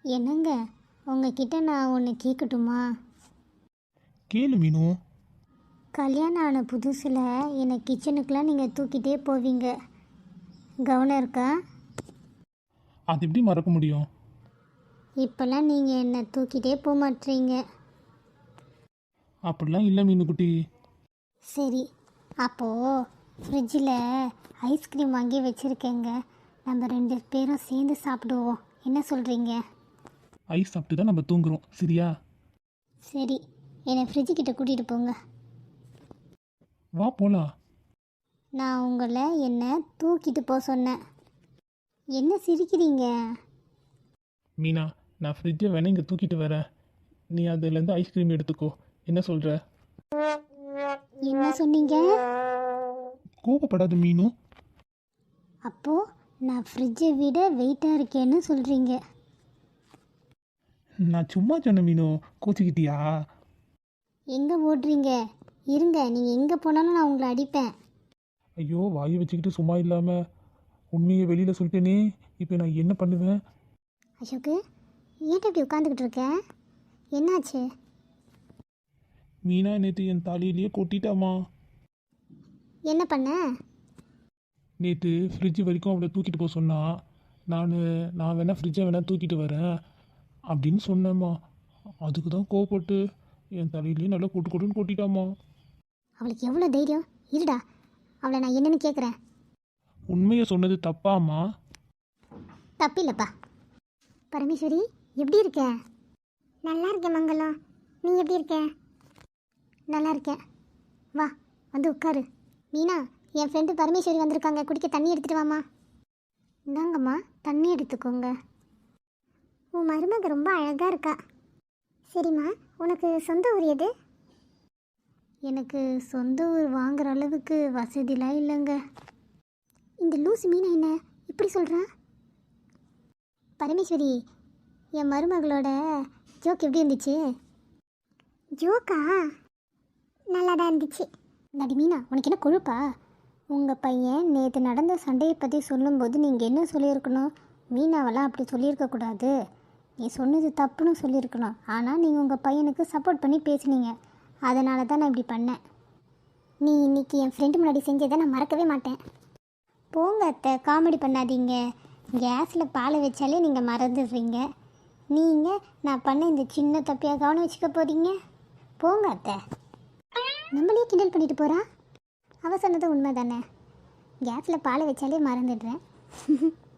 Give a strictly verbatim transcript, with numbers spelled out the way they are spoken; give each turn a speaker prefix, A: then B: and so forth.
A: என்னங்க, உங்ககிட்ட நான் ஒன்று கேட்கட்டுமா?
B: கேளு மீனு.
A: கல்யாணம் ஆன புதுசில் என்னை கிச்சனுக்கெலாம் நீங்கள் தூக்கிட்டே போவீங்க, கவனம் இருக்கா?
B: அது எப்படி மறக்க முடியும்?
A: இப்போல்லாம் நீங்கள் என்னை தூக்கிட்டே போக மாட்டீங்க.
B: அப்படிலாம் இல்லை மீனுக்குட்டி.
A: சரி, அப்போது ஃப்ரிட்ஜில் ஐஸ்கிரீம் வாங்கி வச்சுருக்கேங்க. நம்ம ரெண்டு பேரும் சேர்ந்து சாப்பிடுவோம், என்ன சொல்கிறீங்க?
B: ஐஸ் சாப்பிட்டு தான் நம்ம தூங்குறோம், சரியா?
A: சரி, என்னை ஃப்ரிட்ஜுக்கிட்ட கூட்டிகிட்டு போங்க.
B: வா போலாம்.
A: நான் உங்களை என்னை தூக்கிட்டு போக சொன்னேன். என்ன சிரிக்கிறீங்க?
B: மீனா, நான் ஃப்ரிட்ஜை வேணா இங்கே தூக்கிட்டு வரேன், நீ அதுலேருந்து ஐஸ்கிரீம் எடுத்துக்கோ, என்ன சொல்கிற?
A: என்ன சொன்னீங்க?
B: கோபப்படாத மீனு.
A: அப்போது நான் ஃப்ரிட்ஜை விட வெயிட்டாக இருக்கேன்னு சொல்கிறீங்க.
B: நான் சும்மா சொன்ன மீனு, கோச்சிக்கிட்டியா?
A: எங்கே ஓடுறீங்க? இருங்க, நீங்கள் எங்கே போனாலும் நான் உங்களை அடிப்பேன்.
B: ஐயோ, வாயை வச்சுக்கிட்டு சும்மா இல்லாமல் உண்மையை வெளியில் சொல்லிட்டேனே, இப்போ நான் என்ன பண்ணுவேன்?
A: அசோக்கு, ஏன்ட்ட இப்படி உட்காந்துக்கிட்டு இருக்க? என்னாச்சு?
B: மீனா நேற்று என் தலையிலேயே கொட்டிட்டாமா.
A: என்ன பண்ண?
B: நேற்று ஃப்ரிட்ஜ் வரைக்கும் அவளை தூக்கிட்டு போக சொன்னா, நான் நான் வேணா ஃப்ரிட்ஜை வேணா தூக்கிட்டு வரேன் அப்படின்னு சொன்னேம்மா. அதுக்கு தான் கோவப்பட்டு என் தலையிலேயே நல்லா கொட்டு கொட்டுன்னு கொட்டிட்டாமா.
A: அவளுக்கு எவ்வளோ தைரியம்? இருடா, அவளை நான் என்னன்னு கேட்குறேன்.
B: உண்மையை சொன்னது தப்பாம்மா?
A: தப்பில்லைப்பா. பரமேஸ்வரி, எப்படி இருக்க? நல்லா இருக்கேன் மங்களம், நீ எப்படி இருக்க? நல்லா இருக்கேன். வா, வந்து உட்காரு. மீனா, என் ஃப்ரெண்டு பரமேஸ்வரி வந்திருக்காங்க, குடிக்க தண்ணி எடுத்துகிட்டு வாமா. இந்தாங்கம்மா, தண்ணி எடுத்துக்கோங்க. உன் மருமக ரொம்ப அழகாக இருக்கா. சரிம்மா, உனக்கு சொந்த ஊர் எது? எனக்கு சொந்த ஊர் வாங்குற அளவுக்கு வசதிலாம் இல்லைங்க. இந்த லூஸ் மீனா என்ன இப்படி சொல்கிறா? பரமேஸ்வரி, என் மருமகளோட ஜோக் எப்படி இருந்துச்சு? ஜோக்கா? நல்லா தான் இருந்துச்சு. நடி மீனா, உனக்கு என்ன கொழுப்பா? உங்கள் பையன் நேற்று நடந்த சண்டையை பற்றி சொல்லும்போது நீங்கள் என்ன சொல்லியிருக்கணும்? மீனாவெல்லாம் அப்படி சொல்லியிருக்கக்கூடாது, நீ சொன்னது தப்புன்னு சொல்லியிருக்கணும். ஆனால் நீங்கள் உங்கள் பையனுக்கு சப்போர்ட் பண்ணி பேசுனீங்க, அதனால தான் நான் இப்படி பண்ணேன். நீ இன்றைக்கி என் ஃப்ரெண்டு முன்னாடி செஞ்சதை நான் மறக்கவே மாட்டேன். போங்க அத்தை, காமெடி பண்ணாதீங்க. கேஸில் பாலை வச்சாலே நீங்கள் மறந்துடுறீங்க. நீங்கள் நான் பண்ண இந்த சின்ன தப்பியாக கவனம் வச்சுக்க போகிறீங்க. போங்க அத்தை. நம்மளே கிண்டல் பண்ணிட்டு போகிறா. அவ சொன்னது உண்மை தானே, கேஸில் பாலை வச்சாலே மறந்துடுறேன்.